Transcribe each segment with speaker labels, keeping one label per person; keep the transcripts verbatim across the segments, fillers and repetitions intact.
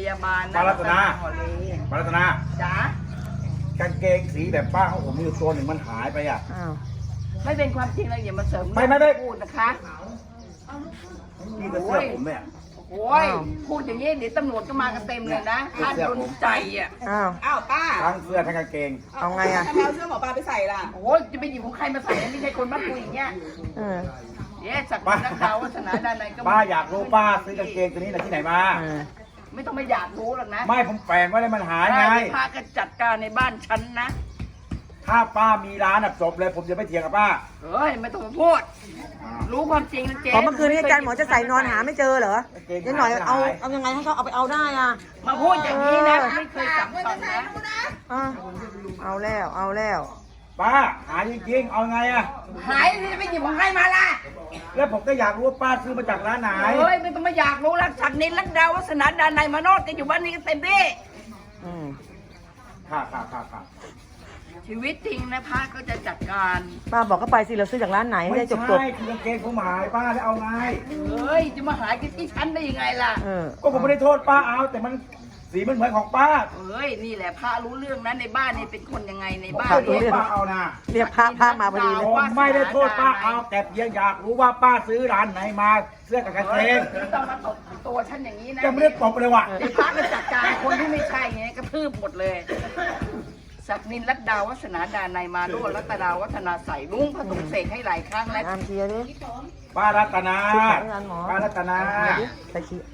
Speaker 1: ยาบาล
Speaker 2: ป้ารัตนา
Speaker 1: หอเล
Speaker 2: ป้ารัตนา
Speaker 1: จ๋าก
Speaker 2: างเกงสีแบบป้าของผมมีอยู่ตัวหนึ่งมันหายไปอ่ะ
Speaker 3: อ้าว
Speaker 1: ไม่เป็นความจริงเลยอย่ามาเสริม
Speaker 2: ไม่ไม่ไม่
Speaker 1: พูดนะคะ
Speaker 2: นี่ก็เสื้อผมเนี่ย
Speaker 1: โอ้ยพูดอย่างนี้เดี๋ยวตำรวจก็มากันเต็มเลยนะท่านโดนใจอ่ะ
Speaker 3: อ้าว
Speaker 4: อ้าวป้า
Speaker 2: ทั้งเสื้อทั้งกางเกง
Speaker 3: เอาไงอ่ะ
Speaker 4: ทำไมเอาเสื้อหมอปลาไปใส่ล่ะ
Speaker 1: โอ้ยจะไปหยิบของใครมาใส่ไม่ใช่คนบ้านกูอย่างเงี้ย
Speaker 3: เออ
Speaker 1: เดี๋ยวสักดิ์นักดาววัฒนาดานในก็
Speaker 2: ป้าอยากรู้ป้าซื้อกางเกงตัวนี้จากที่ไหนมา
Speaker 3: เออ
Speaker 1: ไม่ต้องมาอยากรู้หรอกนะ
Speaker 2: ไม่ผมแฝงไว้เลยมันหายไง
Speaker 1: ได้พากันจัดการในบ้านฉันนะ
Speaker 2: ถ้าป้ามีร้านอ่ะจบเลยผมจะไม่เถียงกับป้า
Speaker 1: เฮ้ยไม่ต้องมาพูด รู้ความจริงนะเจ๊
Speaker 3: ขอเมื่อคืนนี้อาจารย์หมอจะใส่นอนหาไม่เจอเหรอเดี๋ยวหน่อยเอาเอายังไงให้เขาเอาไปเอาได้อ่ะ
Speaker 1: มาพูดอย่างนี้นะไม่เคยสัมผัสนะ
Speaker 3: อ่ะเอาแล้วเอาแล้ว
Speaker 2: ป้าหายจริงๆเอาไงอ่ะ
Speaker 1: หายที่จะไปหยิบของใครมาล่ะ
Speaker 2: แล้วผมก็อยากรู้ว่าป้าซื้อมาจากร้านไหน
Speaker 1: เฮ้ยไม่ต้องมาอยากรู้รักสักนินรักดาววัฒนาดานในมาโนดกันอยู่บ้านนี้กันเต็มที่
Speaker 3: อืม
Speaker 2: ค่ะค่ะค่ะค่ะ
Speaker 1: ชีวิตจริงนะพระก็จะจัดการ
Speaker 3: ป้าบอกเขาไปสิเราซื้อจากร้านไหน
Speaker 2: ไม่
Speaker 3: ได้จบจบ
Speaker 2: ใช่คือกางเกงผมหายป้าแล้วเอาไง
Speaker 1: เฮ้ยจะมาหายกันที่ฉันได้ยังไงล่ะ
Speaker 3: เออ
Speaker 2: ก็ผมไม่ได้โทษป้าเอาแต่มันสีมันเหมือนของป้า
Speaker 1: เฮ้ยนี่แหละพระรู้เรื่องนะในบ้านนี่เป็นคนยังไงในบ้าน
Speaker 2: ป้า
Speaker 1: เนี่ย
Speaker 2: ป้าเอานะ
Speaker 3: เรียกพระพระมาพอดีเล
Speaker 2: ผ
Speaker 3: ย
Speaker 2: มไม่ได้โทษป้าเอาแต่เพียงอยากรู้ว่าป้าซื้อร้านไหนมาเสื้อกับกางเกง
Speaker 1: ไม่ต้องมาตบตัวฉันอย่างนี้นะ
Speaker 2: จะไม่ได้ตบเลยว่ะ
Speaker 1: เดี๋ยวพระก็จัดการคนที่ไม่ใช่ไงกระทืบหมดเลยศักดินรัตดาวัฒนาดานในมาโดรัตดาวัฒนาใส่ลุงผสมเสกให้หลายครั้งแล้ว
Speaker 3: อามเคลียร์ดิ
Speaker 2: ป้ารัตนา
Speaker 3: ซื้อของร้านหมอ
Speaker 2: ป้ารัตนา
Speaker 3: ใส่ขี้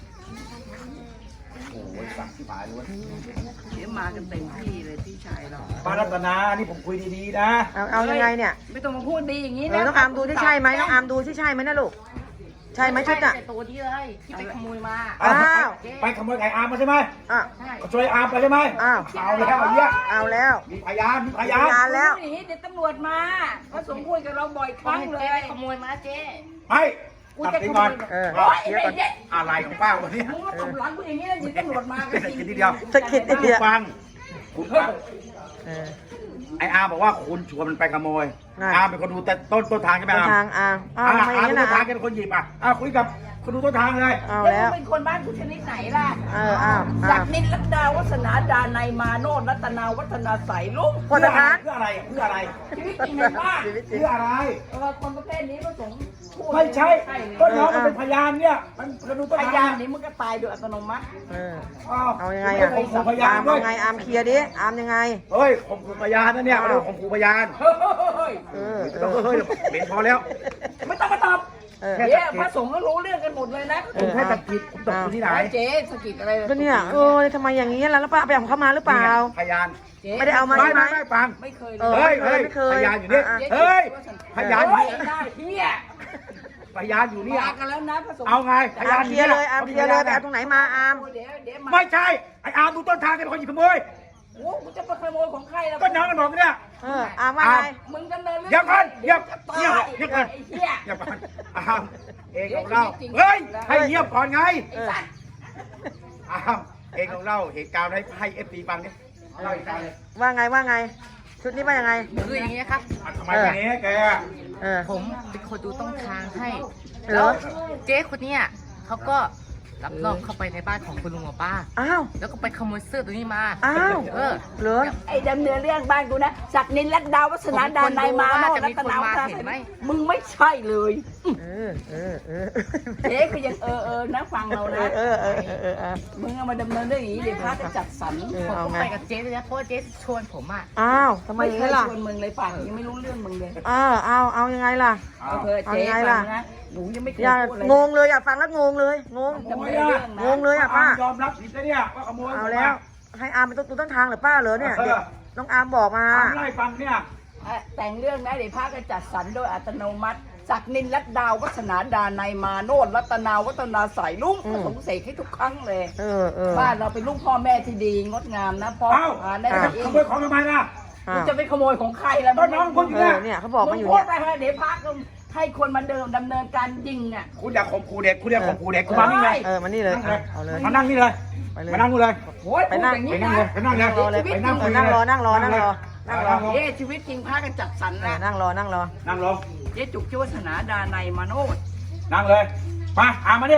Speaker 2: โอ้ยสั่งที่หมายเลยเว้ย
Speaker 1: เดี๋ยวมากันเต็มที่เลยพี่ชายเรา
Speaker 2: ป้ารัตนานี่ผมคุยดีๆนะ
Speaker 3: เอาเอายังไงเนี่ย
Speaker 1: ไม่ต้องมาพูดดีอย่างนี้
Speaker 3: เอ
Speaker 1: นะ
Speaker 3: อน้องอามดูที่ใช่ไหมน้องอามดูที่ใช่ไหมนะลูกใช่ไหมชุดอ่ะ
Speaker 1: ใช่ตัวที่เลยที่ไปขโมยมา
Speaker 3: อ้าว
Speaker 2: ไปขโมยไก่อาร์มมาใช่ไหม
Speaker 3: อ่ะ
Speaker 1: ใช่
Speaker 2: ช่วยอาร์มไปใช่ไหม
Speaker 3: อ้าว
Speaker 2: เอาแล้วไอ้เหี้ย
Speaker 3: เอาแล้ว
Speaker 2: มีพยานมีพยา
Speaker 3: มีพยาน นแล้ว
Speaker 1: หนีเดี๋ยวตำรวจมาพระสงฆ์พูดกับเราบ่อยครั้งเลยขโมยมาเจ๊
Speaker 2: ไปตัดสินก่อน
Speaker 3: เออ
Speaker 1: โอ๊ยไอ้เด็ก
Speaker 2: อะไรของป้าวันนี้
Speaker 1: มึงมาตบหลังกูอย่างนี้นะเดี๋ยวตำรวจมากัน
Speaker 2: สะ
Speaker 1: จริง
Speaker 2: กิดทีเดียว
Speaker 3: สะกิดนิดเดียว
Speaker 2: ฟังคุณฟัง
Speaker 3: เออ
Speaker 2: ไอ้อาร์มบอกว่าคุณชวนมันไปขโมย
Speaker 3: น่ะ
Speaker 2: อาร์มเป็นคนดูแต่ต้นต้นทางใช่ไหม
Speaker 3: ต้น
Speaker 2: อาร์ม
Speaker 3: ทางอ่ะอ้าว
Speaker 2: อาร์ม
Speaker 3: ทำไมอย่าง
Speaker 2: ต้
Speaker 3: นี้
Speaker 2: น
Speaker 3: นะ
Speaker 2: ทางแกเป็นคนหยิบอ่ะอ่ะคุยกับคนดูต้นทางเลย
Speaker 3: เอา
Speaker 1: แล้ว
Speaker 3: แล้ว
Speaker 1: มึงเป็นคนบ้านกูชนิดไหนล่ะ
Speaker 3: เอออ้าว
Speaker 1: ศั
Speaker 3: อ้าก ว
Speaker 1: ดิ์นินรัตดาวัฒนาดานในมาโนรัตนาวัฒนาใสลุง
Speaker 3: คนละทาง
Speaker 2: เพื่ออะไรเพื่ออะไร
Speaker 1: ชีวิตจริงในบ้าน
Speaker 3: ชีวิตจริง
Speaker 2: เพื่ออะไร
Speaker 1: เออคนประเภทนี้พระสงฆ์พูด
Speaker 2: ไม่ใช่
Speaker 1: เลย
Speaker 2: ก็น้องมันเป็นพยานเนี่ยมันคนดูต้น
Speaker 1: พ
Speaker 2: ทาง
Speaker 1: ยานนี้มึงก็ตายโดยอัตโนมัติ
Speaker 3: เออ
Speaker 2: อ้าว
Speaker 3: เอายังไงอ่ะ
Speaker 2: ผมขู่พยา
Speaker 3: อาน ม
Speaker 2: ด้ว
Speaker 3: เอา
Speaker 2: ย
Speaker 3: ไงอามเคลียร์ดิอามยังไง
Speaker 2: เฮ้ยผมขู่พยานนะเนี่ย
Speaker 3: อ้าว
Speaker 2: ไม่ได้ผมขู่พยาน
Speaker 1: เฮ้ย
Speaker 3: เออเอ
Speaker 2: ต้อง
Speaker 3: อ
Speaker 2: เฮ้ยเบนพอแล้ว
Speaker 1: ไม่ต้องมาตอบ
Speaker 3: เออ
Speaker 2: แค่
Speaker 1: เดี๋ยวพระสงฆ์ก็รู้เรื่องกันหมดเลยนะ
Speaker 2: ผมแค่ตะกิดผมตกอยู่ที่ไหน
Speaker 1: เจ๊สะกิดอะไร
Speaker 3: ก็เนี่ยเออทำไมอย่างนี้ล่ะแล้วป้าไปเอาของเขามาหรือเปล่า
Speaker 2: พยาน
Speaker 1: เจ๊
Speaker 3: ไม่ได้เอามา
Speaker 2: ไม่
Speaker 3: ใช่ไหม
Speaker 2: ไม่ไม่ฟัง
Speaker 1: ไม่เคย
Speaker 3: เอ
Speaker 1: เล
Speaker 3: อ
Speaker 1: ย
Speaker 2: เฮ้ยเฮ้ย
Speaker 3: ไม่เคย
Speaker 2: พยานอยู่นี่
Speaker 3: อ่ะ
Speaker 2: เฮ้ยพยานอยู่
Speaker 1: โอ้ย
Speaker 2: นี่
Speaker 1: ได้เฮีย
Speaker 2: พยานอยู่นี่
Speaker 1: มากันแล้วนะพระสงฆ์
Speaker 2: เอาไงพยา
Speaker 3: อาน มเคลียร์เลยอามเคลียร์เลยไปเอาตรงไหนมาอาม
Speaker 1: เดี๋ยวเดี๋ยวมา
Speaker 2: ไม่ใช่ไอ้อาร์มดูต้นทางแกเป็นคนหยิบขโมย
Speaker 1: โอ้กูจะไปขโมยของใครแล้ว
Speaker 2: ก็น้องกันบอกเนี่ย
Speaker 3: เอออามว่าไง
Speaker 1: มึงดำเนินเรื่อง
Speaker 2: เดี๋ยวก่อนเดี๋ยว
Speaker 1: จะ
Speaker 2: เงียบ
Speaker 1: ตาย
Speaker 2: เงียบก่อน
Speaker 1: ไอ้เหี้ย
Speaker 2: อย่าปันอาร์มเองของเราเฮ้ยให้เงียบก่อนไง
Speaker 3: เออ
Speaker 2: อาร์มเองของเราเหตุการณ์ให้ให้เอฟซีฟังเนี่ยเล่าอีกครั้งเลย
Speaker 3: ว่าไงว่าไง ชุดนี้ว่ายังไง
Speaker 5: คืออย่างนี้นะครับ
Speaker 2: อ่ะทำไมวันนี้แก
Speaker 3: เออ
Speaker 5: ผมเป็นคนดูต้นทางให้
Speaker 3: เหรอ
Speaker 5: เจ๊คนเนี้ยเขาก็รับน้องเข้าไปในบ้านของคุณลุงกับป้า
Speaker 3: อ้าว
Speaker 5: แล้วก็ไปขโมยเสื้อตัวนี้มา
Speaker 3: อ้าว
Speaker 5: เออ
Speaker 3: เหรอ
Speaker 1: ไอ้ดำเนินเรื่องบ้านกูนะศักดินรัตดาวัฒนาดานในมาโน
Speaker 5: จะ
Speaker 1: รั
Speaker 5: มี
Speaker 1: ต
Speaker 5: คน
Speaker 1: นาวั
Speaker 5: มา
Speaker 1: ฒนา
Speaker 5: เห็นไหม
Speaker 1: มึงไม่ใช่เลย
Speaker 3: เออเออเออ
Speaker 1: เจ๊ก็ยังเออเออนะฟังเรา
Speaker 3: เอ
Speaker 1: นะ
Speaker 3: อเออเออเออเออ
Speaker 1: มึงเอามาดำเนินเรื่องอย่างนี้เดี๋ยวพระจะจัดสรร
Speaker 3: เออ
Speaker 5: ผม
Speaker 3: เอา
Speaker 5: ก็
Speaker 3: ไง
Speaker 5: ไปกับเจ๊เลยนะเพราะว่าเจ๊ชวนผมอ่ะ
Speaker 3: อ้าวทำไม
Speaker 1: ไม่
Speaker 3: อย่าง
Speaker 1: เค
Speaker 3: นี้
Speaker 1: ย
Speaker 3: ล่ะ
Speaker 1: ชวนมึงเลยป่านยังไม่รู้เรื่องมึงเลย
Speaker 3: เออเอาเอายังไงล่ะ
Speaker 1: เอาเธอ
Speaker 3: เอา
Speaker 1: เจ๊
Speaker 3: ยังไง
Speaker 1: ฟั
Speaker 3: ล่ะ
Speaker 1: งนะหนูยังไม่เคย
Speaker 3: อย่า
Speaker 1: พูดเลย
Speaker 3: งงเลยอย่าฟังแล้วงงเลยงง
Speaker 1: ดำเนินเรื่องนะ
Speaker 3: งงเลยอ่ะป้า
Speaker 2: ยอมรับผิดแล้วเนี่ยว่าขโมย
Speaker 3: เอาแล้ว ให้อามเป็นต้นต้นทางเหรือป้าเหรอเนี่ยเด็กน้องอามบอกมา
Speaker 2: อาร์มไล่ฟังเนี่ย
Speaker 1: อ่ะแต่งเรื่องนะเดี๋ยวพระก็จัดสรรโดยอัตโนมัติศักดินรัตดาวัฒนาดานในมาโนรัตนาวัฒนาใสลุงผสมเสกให้ทุกครั้งเลย
Speaker 3: เออเออ
Speaker 1: บ้านเราเป็นลูกพ่อแม่ที่ดีงดงามนะพ่อ
Speaker 2: เอ้า
Speaker 1: อ่านได้
Speaker 2: แล้ว
Speaker 1: เอ
Speaker 2: ข
Speaker 1: ง
Speaker 2: โมยของทำไมล่ะ
Speaker 3: อ่า
Speaker 1: มึงจะไปขโมยของใครแล้ว
Speaker 2: ก็น้องคนอยู่
Speaker 3: เอ
Speaker 2: เนี่
Speaker 3: อย เนี่ยเขาบอกมาอยู่
Speaker 1: พู
Speaker 3: เนี่
Speaker 1: ด
Speaker 3: ย
Speaker 1: ไปเถอะเดี๋ยวพระก็ให้คนมาเดิมดำเนินการยิงอ่ะ
Speaker 2: คุณอยากข่มขู่เด็กคุณอยากข่มขู่เด็กคุณมานี่เลย
Speaker 3: เออมานี่เลยอ่ะเอาเลย
Speaker 2: มานั่งนี่เลย
Speaker 3: ไปเลย
Speaker 2: มานั่งนู่นเลย
Speaker 1: โอ้ย
Speaker 3: ไปนั่ง
Speaker 1: พูดอย่าง
Speaker 2: ไป
Speaker 1: นี้
Speaker 2: นั่ง
Speaker 1: นะ
Speaker 2: เลยไปนั่งเลย
Speaker 3: เออนั่งรอนั่งรอนั่งรอนั่งรอ
Speaker 1: เอ๊ะชีวิตจริงพระกันจัดสรร
Speaker 3: เออ
Speaker 1: นะ
Speaker 3: นั่งรอนั่งรอ
Speaker 2: นั่งลง
Speaker 1: เจ๊จุกเจ้าวัฒนาดาในยมาโนด
Speaker 2: นั่งเลยมาอาร์มมาดิ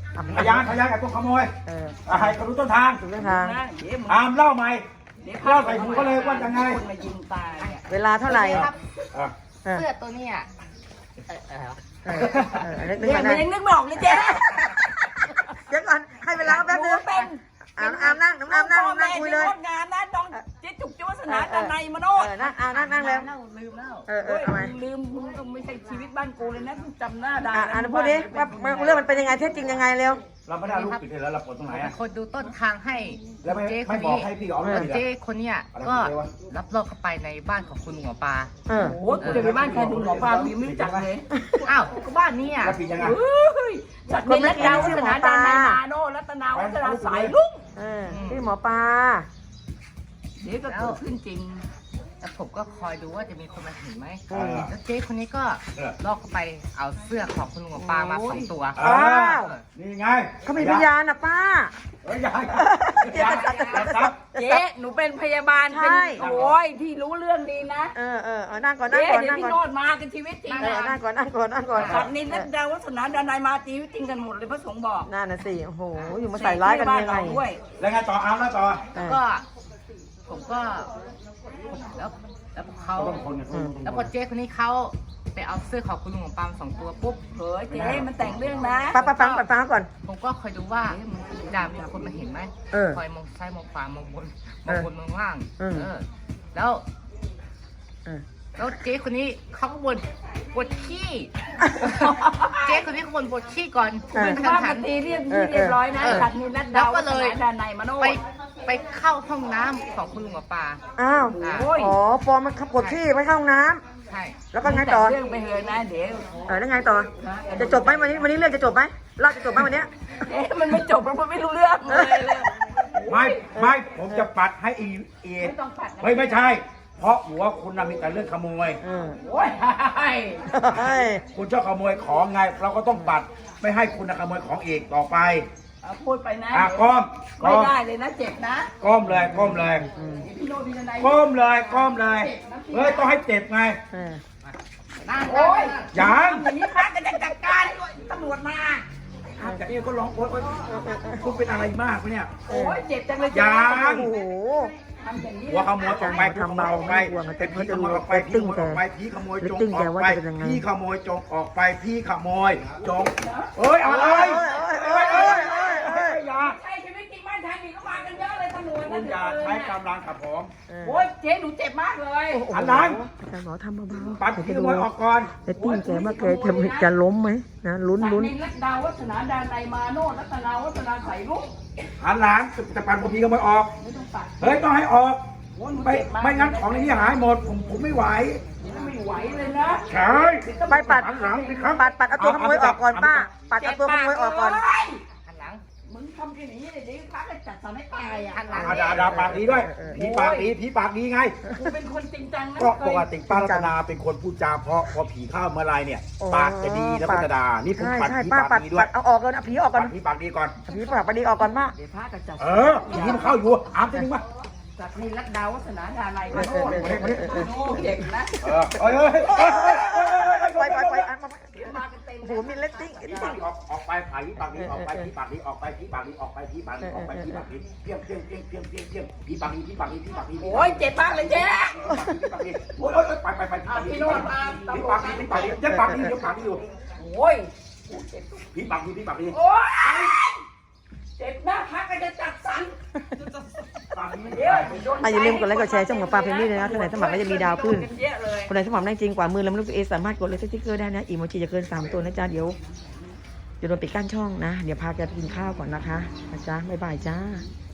Speaker 2: พยานพยานกับพวกขโมย
Speaker 3: เออ
Speaker 2: อ่ะให้เขารู้ต้นทาง
Speaker 3: ถูกทาง
Speaker 1: นะเดี๋ยวมึง
Speaker 2: อามเล่าใหม่
Speaker 1: เดี๋ยว
Speaker 2: เล่าใส่หูเขาเลยว่ายังไง
Speaker 1: คนมายิงตายเนี่ย
Speaker 3: เวลาเท่าไหร่
Speaker 5: ครับ
Speaker 2: อ่ะ
Speaker 3: เออ
Speaker 5: เสื้อตัวเนี้ยเอ่อเอ่อ
Speaker 3: เออเออนึกนึก
Speaker 1: เนี่ย
Speaker 3: ก่อน
Speaker 1: มัน
Speaker 3: นะ
Speaker 1: ยังนึกไม่ออกเลยเจ๊
Speaker 3: เดี๋ยวก่อนให้เวลาแป๊บนึง
Speaker 1: เป็น
Speaker 3: อามอามนั่งน้องอามนั่งนั่งคุยเลย
Speaker 1: งานนะน้องเจ๊จุกจุวัฒนาดานในมโน
Speaker 3: เออนั่งอามนั่งนั่งแล้ว
Speaker 1: เล่าลืมแล้ว
Speaker 3: เออเออเอาไหม
Speaker 1: ลืมมึงก็ไม่ใช่ชีวิตบ้านกูเลยนะจำหน้าได้
Speaker 3: อ่ะอ่านพูดดิว่าเรื่องมันเป็นยังไงเท็จจริงยังไงเร็ว
Speaker 2: เราไม่ได้เอารูปปิดเลยแล้วเราปลดตรงไหน
Speaker 5: เป็
Speaker 2: อ่ะ
Speaker 5: นคนดูต้นทางให้
Speaker 2: แล้วไม่
Speaker 5: เจ๊ค
Speaker 2: ไม่
Speaker 5: น
Speaker 2: บอก
Speaker 5: นี้
Speaker 2: ให้พี่อ๋อม
Speaker 3: เอ
Speaker 2: เล
Speaker 3: อ
Speaker 2: ย
Speaker 5: เจ๊คนเนี้ยก็รับรองเข้าไปในบ้านของคุณลุงหมอปลา
Speaker 3: เออ
Speaker 1: โอ้โหกูจะไปบ้านใครดูหมอปลามีไม่รู้จักเลย
Speaker 5: อ้าวก็บ้านนี้อ่ะ
Speaker 2: แล้วปิดยังไง
Speaker 1: เฮ้ยสัตว์ในรัตนาวัฒนาดานในนาโนรัตนาวัฒนาสายลุง
Speaker 3: เออพี่หมอปลา
Speaker 1: เดี๋ยวก็เกิดขึ้นจริง
Speaker 5: แล้วผมก็คอยดูว่าจะมีคนมาเห็นไหม
Speaker 2: เออ
Speaker 5: แล้วเจ๊คนนี้ก็
Speaker 2: เออ
Speaker 5: ลอกเข้าไปเอาเสื้อของคุณลุงหมอปลามาสองตัว
Speaker 2: อ้าวนี่ไง
Speaker 3: เขามีพยานนะป้า
Speaker 2: เฮ้ยยาย
Speaker 3: เจ๊จะจับจะจับจะจับ
Speaker 1: เจ๊หนูเป็นพยาบาลเป็น
Speaker 3: ใช่
Speaker 1: โอ้ยที่รู้เรื่องดีนะ
Speaker 3: เออเออเอานั่งก่อนนั่ง
Speaker 1: เจ๊
Speaker 3: ก่อน
Speaker 1: เดี๋ยว
Speaker 3: นั่ง
Speaker 1: พี่
Speaker 3: ก่อน
Speaker 1: โนดมากันชีวิตจริง
Speaker 3: เออนั่งก่อนนั่งก่อนนั่งก่อน
Speaker 1: สัตว์นินรัตนาวัฒนาดานในมาชีวิตจริงกันหมดเลยพระสงฆ์บอก
Speaker 3: นั่นน่ะสิโอ้โหอยู่มาใส่ร้ายกันยังไง
Speaker 1: ด้วย
Speaker 2: แล้วไงต่ออามแล้วต่อ
Speaker 3: เออ
Speaker 5: ก็ผมก็แล้วแล้วเขา
Speaker 2: ต้องคนคน
Speaker 5: แล้วพอเจ๊คนนี้เขาไปเอาเสื้อของคุณลุงหมอปลามาสองตัวปุ๊บ
Speaker 1: เฮ้ยเจ๊มันแต่งเรื่องนะ
Speaker 3: ป้าป้าฟังป้าฟังก่อน
Speaker 5: ผมก็คอยดูว่าจะมีคนมาเห็นไหม
Speaker 3: เออ
Speaker 5: คอยมองซ้ายมองขวามองบนมองบนมองล่าง
Speaker 3: เออ
Speaker 5: เออ แล้ว
Speaker 3: เออ
Speaker 5: แล้วเจ๊คนนี้เขาก็บนปวดขี้ เจ๊คนนี้เขาบนปวดขี้ก่อน
Speaker 3: เออ
Speaker 1: เป็นภาพปฏิเรียบเรียบร้อยนะสัตว์นินรัตนาวัฒนาดานในมโน
Speaker 5: ไปไปเข้าห้องน้ำของคุณลุงหมอปลา
Speaker 3: อ้าว
Speaker 1: โอ้ย
Speaker 3: อ๋อปอมันขับกดที่ไปเข้าห้องน้
Speaker 5: ใช่
Speaker 3: ำแล้วก็ไงต่อ
Speaker 1: เรื่องไปเลยนะเดี๋ยว
Speaker 3: เออแล้วไงต่อ จะจบไหมวันนี้วันนี้เรื่องจะจบไหมเล่าจะจบไหมวันเนี้ย
Speaker 1: เอ๊ะมันไม่จบเพราะมันไม่รู้เรื่องเลยเลย
Speaker 2: ไม่ไม่ผมจะปัดให้อีเอ
Speaker 1: ไม่ต้องปัดนะ
Speaker 2: เฮ้ยไม่ใช่ เพราะหัวคุณน่ะมีแต่เรื่องขโมย
Speaker 3: เออ
Speaker 1: โอ้ย
Speaker 3: เฮ้ย
Speaker 2: คุณชอบขโมยของไง เราก็ต้องปัดไม่ให้คุณน่ะขโมยของอีกต่อไป
Speaker 1: เอาพูดไปนะ
Speaker 2: อ่ะก้มก้
Speaker 1: ไม่
Speaker 2: ม
Speaker 1: ได้เลยนะเจ็บนะ
Speaker 2: ก้มเลยก้มเลย
Speaker 1: พี่โนพี่นาย
Speaker 2: ก้มเลยก้มเลยเฮ้ยต้องให้เจ็บไง
Speaker 3: เออ
Speaker 5: นั่ง
Speaker 1: โอ้ย
Speaker 2: ยัง
Speaker 1: อย่างนี้พระจะจัดการตำรวจมา
Speaker 2: แต่นี่ก็ร้องโอ๊ยโอ๊ยคุณเป็นอะไรมากวะเนี่ย
Speaker 1: โอ้ยเจ็บจังเลย
Speaker 2: ยัง
Speaker 3: โอ้โห
Speaker 1: ทำอย่างนี้
Speaker 2: หัวขโมยออกไป
Speaker 3: ทำเบาไม่กลัวมัน
Speaker 2: เป็นผีขโมยออกไป
Speaker 3: เรตติ้
Speaker 2: พี่
Speaker 3: ง
Speaker 2: ขโมยออกไปพี่ขโมยจง
Speaker 3: เรตติ้ง
Speaker 2: อ
Speaker 3: แก
Speaker 2: อก
Speaker 3: ว่า
Speaker 2: ไป
Speaker 3: จะเป็นยังไง
Speaker 2: พี่ขโมยจงออกไปพี่ขโมยจงเอ้ยอะไร
Speaker 3: เอ้ยเอ้ยเอ้ยเอ้ยเอ้ย
Speaker 2: อย่า
Speaker 1: ใช่ชีวิตจริงบ้านทางนี้ก็มากันเยอะเลยตำรวจ
Speaker 2: คุณอย่าใช้กำลังกับผม
Speaker 1: โอ้ยเจ๊หนูเจ็บมากเลย
Speaker 2: อันนั้น
Speaker 3: อาจารย์หมอทำเบาๆ
Speaker 2: ปัด
Speaker 3: เดี๋ยว
Speaker 2: พี่
Speaker 3: จะ
Speaker 2: ข
Speaker 3: ดู
Speaker 2: โมยออกก่อน
Speaker 3: เรตติ้งแกว่าแกจะจะล้มไหมนะลุ้น
Speaker 1: สัต
Speaker 3: ลุ้น
Speaker 1: ว์นินรัตนาวัฒนาดานในมาโนรัตนาวัฒนาใส่ลุก
Speaker 2: หันหลังจะปัดพี่ขโมยออก
Speaker 1: ไม่ต้องปัด
Speaker 2: เฮ้ยต้องให้ออก
Speaker 1: โอ้ยหนู
Speaker 2: ไม่
Speaker 1: เจ็บมาก
Speaker 2: ไม่งั้นของในนี้หายหมดผมผมไม่ไหว
Speaker 1: ไม่ไหวเลยนะ
Speaker 2: ใช่
Speaker 3: ไปปัด
Speaker 2: หันหลังสิครับ
Speaker 3: ปัดปัดเอาตัวขโมยออกก่อนป้า ปัดเอาตัวขโมยออกก่อน
Speaker 1: เฮ้ย
Speaker 5: หันหลัง
Speaker 1: มึงทำแค่นี้เลยเดี๋ยวพระจะจัดสรรให้ตายอ่ะ
Speaker 5: หันหลัง
Speaker 2: อาดาดาปากดีด้วยผีปากดีผีปากดีไง
Speaker 1: กูเป็นคนจริงจังนะ
Speaker 2: ก็ปกติป้ารัตนาเป็นคนพูดจาเพราะพอผีเข้าเมื่อไรเนี่ย
Speaker 3: อ๋อ
Speaker 2: ปากจะดีแล้วก็จะด่านี่ผม
Speaker 3: ใช่
Speaker 2: ปัด
Speaker 3: ใช่
Speaker 2: ผี
Speaker 3: ป้า
Speaker 2: ปา
Speaker 3: ปั
Speaker 2: ก
Speaker 3: ด
Speaker 2: ดีด้ว
Speaker 3: ปั
Speaker 2: ย
Speaker 3: ดเอาออกก่อนเอาผีออกก่อน
Speaker 2: ปัดผีปากดีก่อน
Speaker 3: เอาผีปากดีออกก่อนป้า
Speaker 1: เดี๋ยวพระจะจัด
Speaker 2: เออผีมันเข้าอยู่อามจะนึงวะ
Speaker 1: จัดนินรัตดาวัฒนาดาในมาโน
Speaker 3: เออเออเออเออ
Speaker 1: โอ้เจ็บนะ
Speaker 2: เออเอ้ยเอ้ยเอ้ยเอ้ยเอ้ยเอ้ย
Speaker 3: ปล่อยปล่อยปล่อยอันมา
Speaker 1: เดี๋ยวมากันเต็ม
Speaker 3: โอ้โหมีเลตติ้ง
Speaker 2: ผีปากดีออกออกไปผีปากดีออกไปผีปากดีออกไปผีปากดีออกไปผีปากดีออกไปผีปากดีเพี้ยงเพี้ยงเพี้ยงเพี้ยงเพี้ยงเพี้ยงผีปากดีผีปากดีผีปากดี
Speaker 1: โอ้ยเจ็บมากเลยเจ๊
Speaker 2: ผีปากดีโอ้ยโอ้ยไปไปไปผีปากดีผีปากดีผีปากดีผีปากดียังปากดียังปากดีอยู่
Speaker 1: โอ้ย
Speaker 2: ผีปากดีผีปากดี
Speaker 1: โอ้ยเจ็บนะพระก็จะจัดสรร
Speaker 2: ปากดีไม่
Speaker 1: เดี๋ยว
Speaker 2: ได้
Speaker 3: อ่ะอย่าลืมกดไลค์กดแชร์ช่องหมอปลาเพนนี่เลยนะคนไหนสมัครก็จะมีดาวขึ้น
Speaker 1: เยอะเลย
Speaker 3: คนไหนสมัครได้จริงกว่ามือแล้วไม่รู้ตัวเองสามารถกดเลยสติ๊กเกอร์ได้นะอีโมจิจะเกินสามตัวนะจ๊ะเดี๋ยวเดี๋ยวโดนปิดกั้นช่องนะ เดี๋ยวพาแกไปกินข้าวก่อนนะคะนะจ๊ะบ๊ายบายจ้า